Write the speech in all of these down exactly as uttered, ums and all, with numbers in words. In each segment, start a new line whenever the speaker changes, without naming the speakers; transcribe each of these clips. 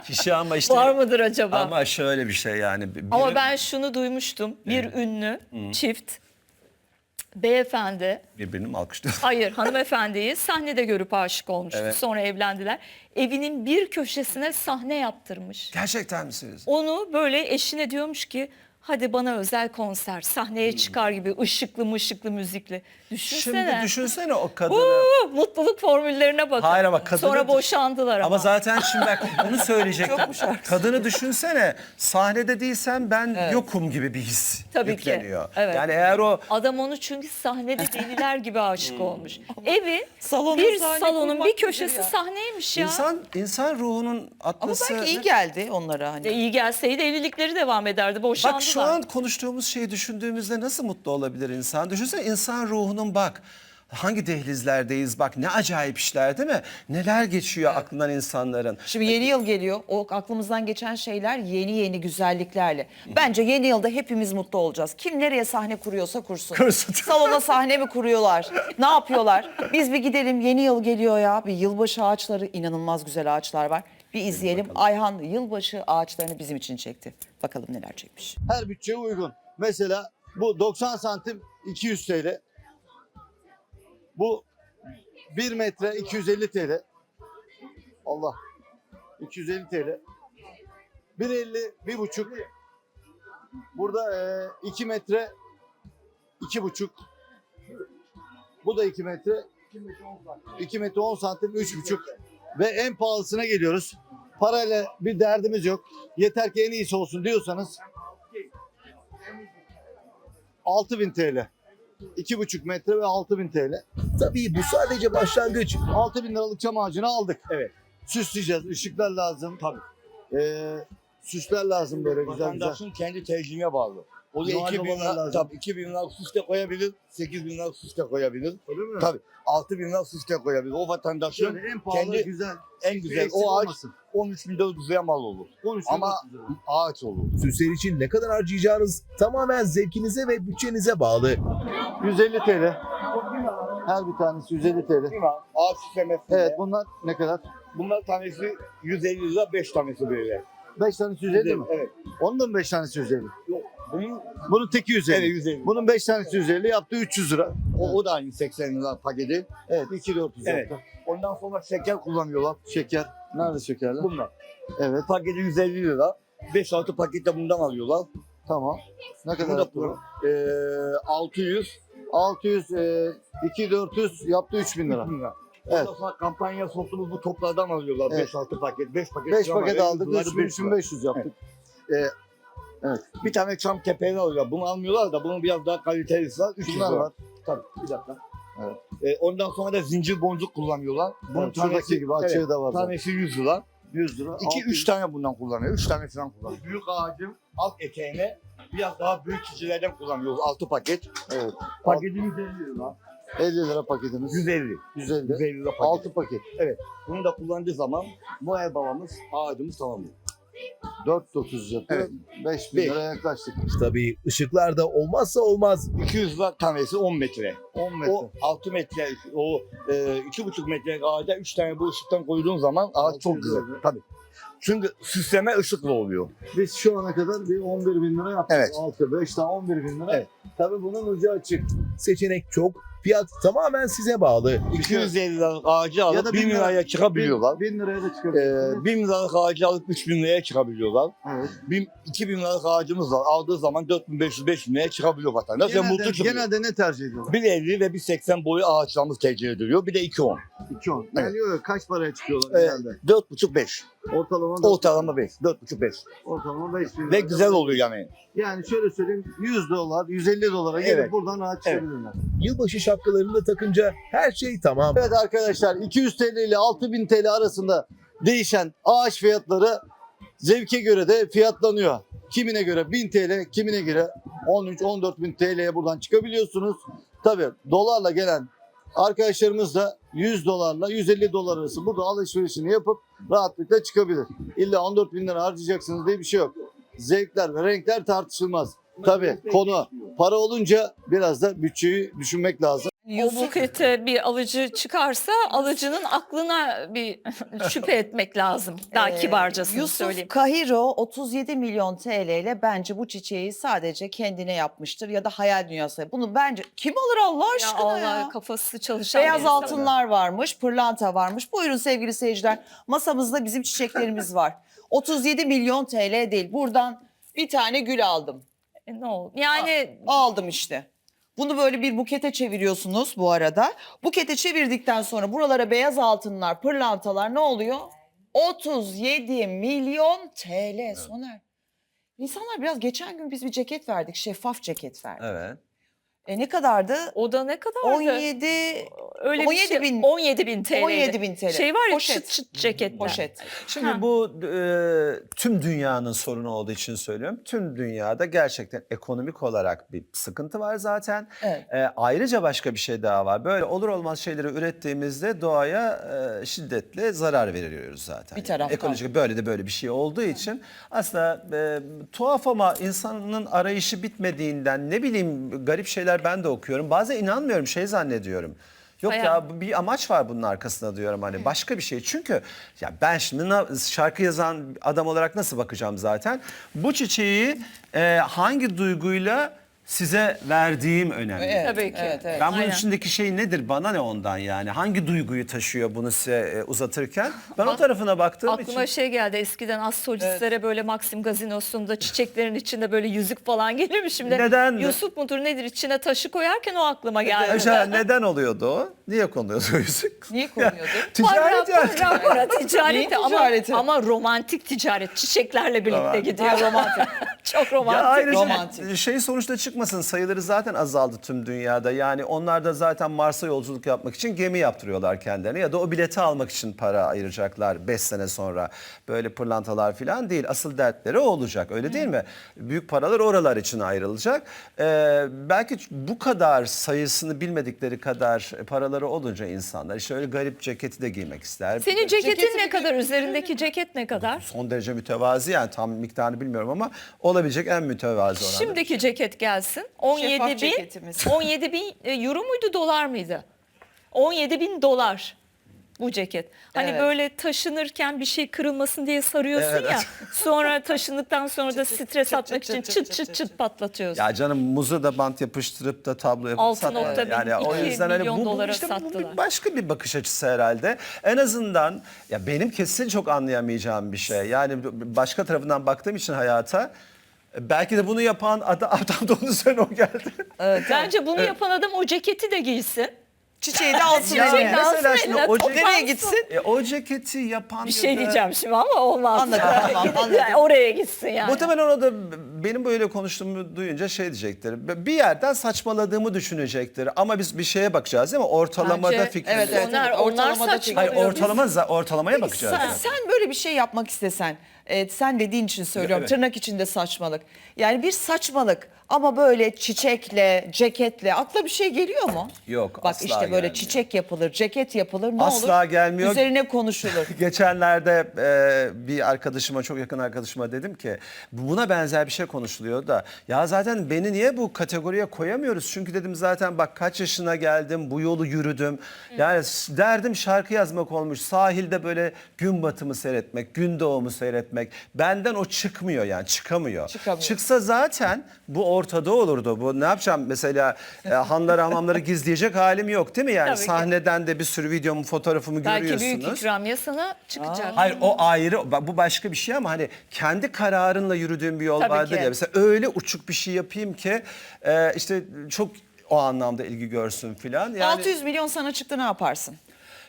kişi ama işte.
Var mıdır acaba?
Ama şöyle bir şey yani. Biri,
Ama ben şunu duymuştum. Bir ünlü çift beyefendi,
birbirini mi alkışlıyor?
hayır hanımefendiyi sahnede görüp aşık olmuştu.
Evet.
Sonra evlendiler. Evinin bir köşesine sahne yaptırmış.
Gerçekten misiniz?
Onu böyle eşine diyormuş ki hadi bana özel konser, sahneye çıkar gibi ışıklı mışıklı müzikli. Düşünsene.
Şimdi düşünsene o kadını.
Uuu, mutluluk formüllerine bakın.
Hayır ama kadını-
Sonra boşandılar ama.
Ama zaten şimdi bak bunu söyleyecektim. Kadını düşünsene, sahnede değilsen ben yokum gibi bir his
Tabii ki,
yükleniyor.
evet.
Yani eğer o
Adam onu çünkü sahnede deliler gibi aşık olmuş. Evi
Salona
bir
sahne
salonun
kurmak
bir
nedir
köşesi
ya?
sahneymiş ya.
insan insan ruhunun
Ama
atması.
belki iyi geldi onlara hani.
E, iyi gelseydi evlilikleri devam ederdi. Boşandılar.
Bak şu an konuştuğumuz şeyi düşündüğümüzde nasıl mutlu olabilir insan? Düşünsene insan ruhunun bak. Hangi dehlizlerdeyiz bak ne acayip işler değil mi? Neler geçiyor aklından insanların.
Şimdi yeni yıl geliyor. O aklımızdan geçen şeyler yeni yeni güzelliklerle. Bence yeni yılda hepimiz mutlu olacağız. Kim nereye sahne kuruyorsa kursun.
Kursun.
Salona sahne mi kuruyorlar? Ne yapıyorlar? Biz bir gidelim, yeni yıl geliyor ya. Bir yılbaşı ağaçları, inanılmaz güzel ağaçlar var. Bir izleyelim. Ayhan yılbaşı ağaçlarını bizim için çekti. Bakalım neler çekmiş.
Her bütçeye uygun. Mesela bu doksan santim iki yüz T L. Bu bir metre iki yüz elli T L. Allah. iki yüz elli T L. bir elli, bir buçuk. Burada e, iki metre iki buçuk. Bu da iki metre. iki metre on santim üç buçuk. Ve en pahalısına geliyoruz. Parayla bir derdimiz yok. Yeter ki en iyisi olsun diyorsanız altı bin T L. iki buçuk metre ve altı bin T L.
Tabii bu sadece başlangıç.
altı bin liralık çam ağacını aldık.
Evet.
Süsleyeceğiz. Işıklar lazım. Tabii. Ee, süsler lazım böyle güzel güzel.
Vatandaşın kendi tercihine bağlı. O da
Noel
iki bin
babalar
lira,
lazım.
tabii iki bin lira süs de koyabilir, sekiz bin lira süs de koyabilir.
Öyle mi?
Tabii altı bin lira süs de koyabilir. O vatandaşın
Şöyle en pahalı
kendi
güzel.
en güzel
Eksik
o ağaç
olmasın.
on üç bin dört yüze mal olur.
on üç bin
Ama
dört yüz lira.
ağaç olur.
Süsler için ne kadar harcayacağınız tamamen zevkinize ve bütçenize bağlı.
yüz elli T L. Her bir tanesi yüz elli T L.
Ağaç süslemesinde.
Evet bunlar ne kadar?
Bunlar tanesi yüz elli lira, beş tanesi böyle.
beş tanesi yüz elli mi?
Evet.
Onun da mı beş tanesi yüz elli?
Yok. Bunun
Bunun teki yüz elli.
evet yüz elli.
Bunun beş tanesi yüz elli yaptı üç yüz lira.
O, o da aynı seksen lira paketi.
Evet iki bin dört yüz
Evet.
yaptı.
Ondan sonra şeker kullanıyorlar.
Şeker. Nerede şekerler?
Bunlar.
Evet
Paketi yüz elli lira. beş altı paket de bundan alıyorlar.
tamam. Ne
Bu
kadar
da
yaptı?
bu. Ee, altı yüz.
altı yüz, e, iki bin dört yüz yaptı üç bin lira.
lira.
Evet.
Ondan sonra kampanya soktuğumuz bu toplardan alıyorlar.
Evet.
beş altı paket. beş paket.
beş
çam
paket
alıyor,
aldık
bunları
üç bin,
beş
üç bin
lira.
beş yüz yaptık.
Bir tane çam kepeğini alıyorlar. Bunu almıyorlar da bunun biraz daha kalitelisi var. üç yüz
Şunlar
lira.
var.
Tabii bir dakika.
Evet.
Ee, ondan sonra da zincir boncuk kullanıyorlar. Bunun
Evet, şuradaki gibi açığı
evet,
da var. zaten.
tanesi yüz lira.
yüz lira.
iki
altı
üç
yüz.
tane bundan kullanıyor. üç tane falan kullanıyor. Büyük ağacın alt eteğine biraz daha büyük çiçelerden kullanıyoruz. altı paket.
Evet.
Paketimiz elli lira.
elli lira paketimiz.
yüz elli.
yüz elli.
yüz elli lira paket.
altı paket.
Bunu da kullandığı zaman Noel babamız ağacımız tamamlıyor.
dört bin dokuz yüz yapıyor.
Evet.
beş bin
Beş.
liraya yaklaştık.
Tabii ışıklar da olmazsa olmaz.
iki yüz lira tanesi on metre.
on metre.
O altı metre, o e, iki buçuk metre ağaca üç tane bu ışıktan koyduğun zaman ağaç
altı
çok
yüz
güzel.
lira.
Tabii. Çünkü süsleme ışıkla oluyor.
Biz şu ana kadar bir on bir bin lira yaptık.
Evet.
altı, beş tane on bir bin lira.
Evet.
Tabii bunun ucu açık.
Seçenek çok, fiyat tamamen size bağlı.
iki yüz elli liralık ağacı alıp
Ya da
bin
bin lira-
liraya çıkabiliyorlar.
bin liraya da çıkabilirsiniz.
E, bin liralık ağacı alıp üç bin liraya çıkabiliyorlar.
evet.
Bin, iki bin liralık ağacımız var. Aldığı zaman dört bin beş yüz beş bin liraya çıkabiliyor vatandaş. Ve mutlu
Genelde,
çıkıyor.
genelde ne tercih ediyorlar?
bir elli ve bir seksen boyu ağaçlarımız tercih ediliyor. Bir de iki on.
iki on.
Evet.
Yani yok, kaç paraya çıkıyorlar
Ee,
genelde?
dört buçuk beş.
Ortalama dört-
Ortalama beş. dört buçuk beş.
ortalama beş bin
Ve
lira.
güzel oluyor yani.
Yani şöyle söyleyeyim yüz dolar, yüz elli dolara gelip
Evet.
buradan rahat
Evet.
çıkabilirler.
Yılbaşı şapkalarını da takınca her şey tamam.
Evet arkadaşlar iki yüz T L ile altı bin T L arasında değişen ağaç fiyatları zevke göre de fiyatlanıyor. Kimine göre bin T L, kimine göre on üç on dört bin T L'ye buradan çıkabiliyorsunuz. Tabii dolarla gelen arkadaşlarımız da yüz dolarla yüz elli dolar arası burada alışverişini yapıp rahatlıkla çıkabilir. İlla on dört bin lira harcayacaksınız diye bir şey yok. Zevkler ve renkler tartışılmaz. Tabii konu para olunca biraz da bütçeyi düşünmek lazım.
O bukete bir alıcı çıkarsa alıcının aklına bir şüphe etmek lazım. Daha
Ee,
kibarcasını
Yusuf
söyleyeyim.
Kahiro otuz yedi milyon T L ile bence bu çiçeği sadece kendine yapmıştır ya da hayal dünyası. Bunu bence kim alır Allah
Ya
aşkına ya?
Allah kafası çalışan bir
Beyaz
insan.
altınlar varmış, pırlanta varmış. Buyurun sevgili seyirciler. Masamızda bizim çiçeklerimiz var. otuz yedi milyon T L değil. Buradan bir tane gül aldım.
E, ne oldu? Yani
Aldım işte. Bunu böyle bir bukete çeviriyorsunuz bu arada. Bukete çevirdikten sonra buralara beyaz altınlar, pırlantalar ne oluyor? otuz yedi milyon T L Soner. İnsanlar biraz geçen gün biz bir ceket verdik, şeffaf ceket verdik.
Evet.
E ne kadardı?
o da ne kadardı?
on yedi
Öyle bir
on yedi
şey,
bin.
on yedi bin T L.
on yedi bin T L.
Şey var ya
Poşet.
çıt çıt ceketler.
poşet.
Şimdi
Ha.
bu e, tüm dünyanın sorunu olduğu için söylüyorum. Tüm dünyada gerçekten ekonomik olarak bir sıkıntı var zaten.
Evet.
E, ayrıca başka bir şey daha var. Böyle olur olmaz şeyleri ürettiğimizde doğaya e, şiddetle zarar veriyoruz zaten.
Bir taraftan.
Ekolojik böyle de böyle bir şey olduğu için aslında e, tuhaf ama insanın arayışı bitmediğinden ne bileyim garip şeyler ben de okuyorum. Bazen inanmıyorum şey zannediyorum. Yok
Hayal.
ya bu bir amaç var bunun arkasında diyorum hani başka bir şey. Çünkü ya ben şimdi na- şarkı yazan adam olarak nasıl bakacağım zaten. Bu çiçeği e, hangi duyguyla size verdiğim önemli.
Evet,
Tabii ki.
evet, evet.
Ben bunun
Aynen.
içindeki şey nedir bana ne ondan yani hangi duyguyu taşıyor bunu size e, uzatırken ben o tarafına baktığım
Aklıma
için.
şey geldi eskiden az solistlere böyle Maxim gazinosunda çiçeklerin içinde böyle yüzük falan gelirmiş. Şimdi
Neden?
Yusuf mudur nedir içine taşı koyarken o aklıma geldi.
Acaba neden oluyordu o? Niye konuluyordu o yüzük?
Niye konuyordu?
Ticaret
Para,
yani.
para, para, ticaret
Neyin
de ama,
ticareti?
ama romantik ticaret çiçeklerle birlikte
Tamam.
gidiyor.
Ha, romantik.
Çok
Ya
romantik.
ayrıca
romantik.
şey sonuçta çıkmasın sayıları zaten azaldı tüm dünyada. Yani onlar da zaten Mars'a yolculuk yapmak için gemi yaptırıyorlar kendilerine ya da o bileti almak için para ayıracaklar beş sene sonra. Böyle pırlantalar falan değil. Asıl dertleri o olacak öyle değil mi? Büyük paralar oralar için ayrılacak. Ee, belki bu kadar sayısını bilmedikleri kadar paraları olunca insanlar işte öyle garip ceketi de giymek ister.
Senin ceketin
Ceketi
ne
bir-
kadar? Üzerindeki ceket ne kadar?
Son derece mütevazi yani tam miktarını bilmiyorum ama olabilecek en mütevazi olan.
Şimdiki ceket gelsin. on yedi
Şeffaf
bin,
ceketimiz.
on yedi bin e, euro muydu dolar mıydı? on yedi bin dolar bu ceket. Hani
Evet.
böyle taşınırken bir şey kırılmasın diye sarıyorsun ya. Sonra taşındıktan sonra da stres atmak için çıt çıt çıt patlatıyorsun.
Ya canım muzu da bant yapıştırıp da tablo yapıp
Altı
satma.
nokta bin,
Yani o
iki
yüzden hani
milyon
bu, bu
dolara
işte bu
sattılar.
bir başka bir bakış açısı herhalde. En azından ya benim kesin çok anlayamayacağım bir şey. Yani başka tarafından baktığım için hayata belki de bunu yapan adam, adam da onun üzerine o geldi.
Bence bunu yapan adam o ceketi de giysin.
Çiçeği de alsın
Ya
eline.
alsın
mesela şimdi
eline,
o,
toplansın.
ceketi,
Nereye gitsin?
e, o ceketi yapan
Bir
ya
şey
da-
diyeceğim şimdi ama olmaz.
Anladım, tamam, anladım.
Yani oraya gitsin yani.
Muhtemelen o da benim böyle konuştuğumu duyunca şey diyecektir. Bir yerden saçmaladığımı düşünecektir. Ama biz bir şeye bakacağız değil mi? Ortalamada
Bence-
fikrimiz.
evet, evet,
Onlar-
evet.
onlar
Ortalamada
saçma.
Hayır
çekiyor.
ortalama za- ortalamaya bakacağız.
Sen,
yani.
sen böyle bir şey yapmak istesen, e, sen dediğin için söylüyorum,
Evet.
tırnak içinde saçmalık. Yani bir saçmalık ama böyle çiçekle, ceketle akla bir şey geliyor mu?
Yok,
Bak
asla
işte böyle
gelmiyor.
çiçek yapılır, ceket yapılır ne
Asla
olur?
gelmiyor.
Üzerine konuşulur.
Geçenlerde e, bir arkadaşıma, çok yakın arkadaşıma dedim ki buna benzer bir şey konuşuluyor da ya zaten beni niye bu kategoriye koyamıyoruz? Çünkü dedim zaten bak kaç yaşına geldim, bu yolu yürüdüm. Yani s- derdim şarkı yazmak olmuş. Sahilde böyle gün batımı seyretmek, gün doğumu seyretmek. Benden o çıkmıyor yani çıkamıyor.
Çıkamıyor.
Çıksa zaten bu ortada olurdu. Bu ne yapacağım mesela e, hanları hamamları gizleyecek halim yok değil mi? Yani
Tabii ki.
sahneden de bir sürü videomu, fotoğrafımı
Belki
görüyorsunuz.
büyük ikramiye sana çıkacak.
Hayır o ayrı bak bu başka bir şey ama hani kendi kararınla yürüdüğün bir yol
Tabii
vardır
ki.
ya. Mesela öyle uçuk bir şey yapayım ki e, işte çok o anlamda ilgi görsün filan. Yani,
altı yüz milyon sana çıktı ne yaparsın?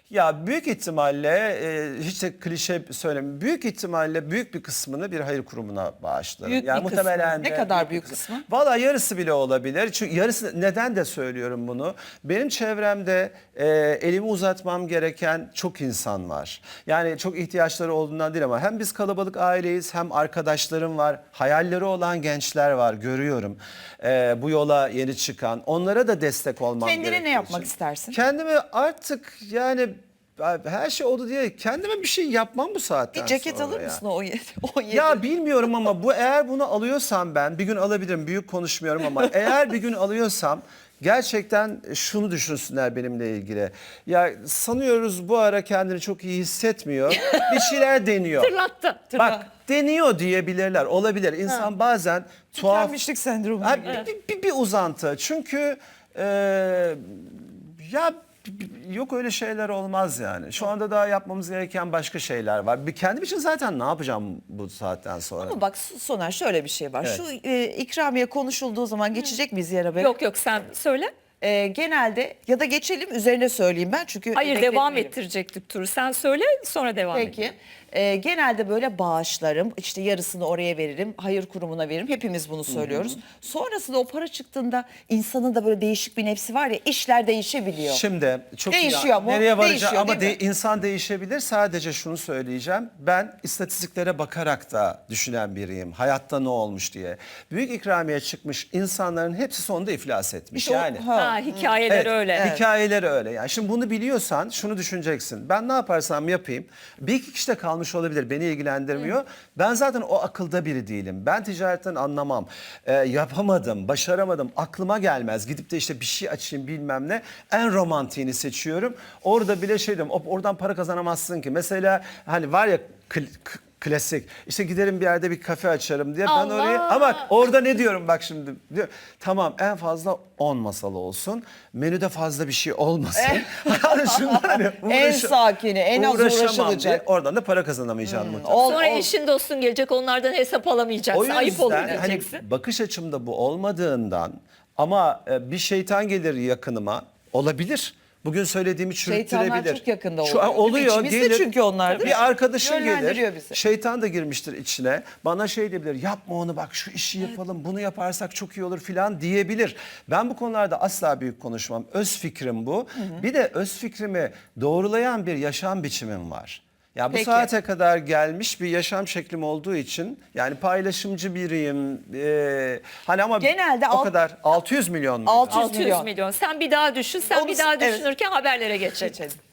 Ya büyük ihtimalle e, hiç de klişe söylemiyorum. Büyük ihtimalle büyük bir kısmını bir hayır kurumuna bağışlarım.
Büyük
yani
bir
muhtemelen
kısmı. Ne
de
kadar büyük kısmı?
Valla yarısı bile olabilir. Çünkü yarısı neden de söylüyorum bunu. Benim çevremde e, elimi uzatmam gereken çok insan var. Yani çok ihtiyaçları olduğundan değil ama hem biz kalabalık aileyiz hem arkadaşlarım var. Hayalleri olan gençler var görüyorum. E, bu yola yeni çıkan. Onlara da destek olmam
Kendine ne
gerektiği
yapmak
için.
istersin?
Kendime artık yani her şey oldu diye kendime bir şey yapmam bu saatten
Bir ceket
sonra
alır
ya.
mısın o on yedi? on yedi?
Ya bilmiyorum ama bu eğer bunu alıyorsam ben bir gün alabilirim büyük konuşmuyorum ama eğer bir gün alıyorsam gerçekten şunu düşünsünler benimle ilgili. Ya sanıyoruz bu ara kendini çok iyi hissetmiyor. Bir şeyler deniyor.
Tırlattı.
Bak deniyor diyebilirler. Olabilir. İnsan bazen tuhaf...
Tükenmişlik sendromu.
Ha,
gibi.
bir, bir, bir uzantı. Çünkü e, ya b- yok öyle şeyler olmaz yani. Şu anda daha yapmamız gereken başka şeyler var. Bir kendim için zaten ne yapacağım bu saatten sonra?
Ama bak Soner şöyle bir şey var.
Evet.
Şu e, ikramiye konuşulduğu zaman geçecek miyiz yere be?
Yok yok sen söyle.
E, genelde ya da geçelim üzerine söyleyeyim ben çünkü
Hayır devam
bekletmeyelim.
ettirecektik turu. Sen söyle sonra devam
Peki.
edelim.
Ee, genelde böyle bağışlarım, işte yarısını oraya veririm, hayır kurumuna veririm. Hepimiz bunu söylüyoruz. Sonrasında o para çıktığında insanın da böyle değişik bir nefsi var ya, işler değişebiliyor.
Şimdi çok iyi-
Değişiyor mu?
Nereye varacağım
Değişiyor,
ama
değil mi?
de- insan değişebilir. Sadece şunu söyleyeceğim. Ben istatistiklere bakarak da düşünen biriyim. Hayatta ne olmuş diye. Büyük ikramiye çıkmış insanların hepsi sonunda iflas etmiş.
İşte o-
yani.
ha.
Ha, hikayeler
Evet,
öyle.
Hikayeleri öyle. Yani şimdi bunu biliyorsan şunu düşüneceksin. Ben ne yaparsam yapayım. Bir iki kişi de kalmış olabilir. Beni ilgilendirmiyor. Ben zaten o akılda biri değilim. Ben ticaretten anlamam. Ee, yapamadım, başaramadım. Aklıma gelmez. Gidip de işte bir şey açayım bilmem ne. En romantiğini seçiyorum. Orada bile şey diyorum. "Hop, oradan para kazanamazsın ki." Mesela hani var ya kl- k- klasik. İşte giderim bir yerde bir kafe açarım diye. Ben
Allah!
oraya ama bak orada ne diyorum bak şimdi. Diyor, tamam en fazla on masalı olsun. Menüde fazla bir şey olmasın. Hani şundan hani
En
uğraşa-
sakini, en az
uğraşamam
uğraşılacak.
diye Oradan da para kazanamayacağım muhtemelen.
Ol-
Sonra
ol-
eşin dostun gelecek onlardan hesap alamayacaksın.
O
Ayıp olur
yüzden hani
diyeceksin.
bakış açımda bu olmadığından ama e, bir şeytan gelir yakınıma olabilir. Bugün söylediğimi çürüttürebilir.
Şeytanlar çok yakında
Şu an
oluyor.
oluyor.
İçimizde
gelir,
çünkü onlar, değil mi?
Bir arkadaşın
Yönlendiriyor
gelir.
bizi.
Şeytan da girmiştir içine. Bana şey diyebilir. Yapma onu bak şu işi yapalım. Bunu yaparsak çok iyi olur filan diyebilir. Ben bu konularda asla büyük konuşmam. Öz fikrim bu. Bir de öz fikrimi doğrulayan bir yaşam biçimim var. Ya bu
Peki.
saate kadar gelmiş bir yaşam şeklim olduğu için yani paylaşımcı biriyim. Ee, hani ama
Genelde
o
alt-
kadar altı yüz milyon mu?
altı yüz
altı yüz
milyon.
milyon. Sen bir daha düşün. Sen
Onu-
bir daha
evet.
düşünürken haberlere geçelim.
Geçelim.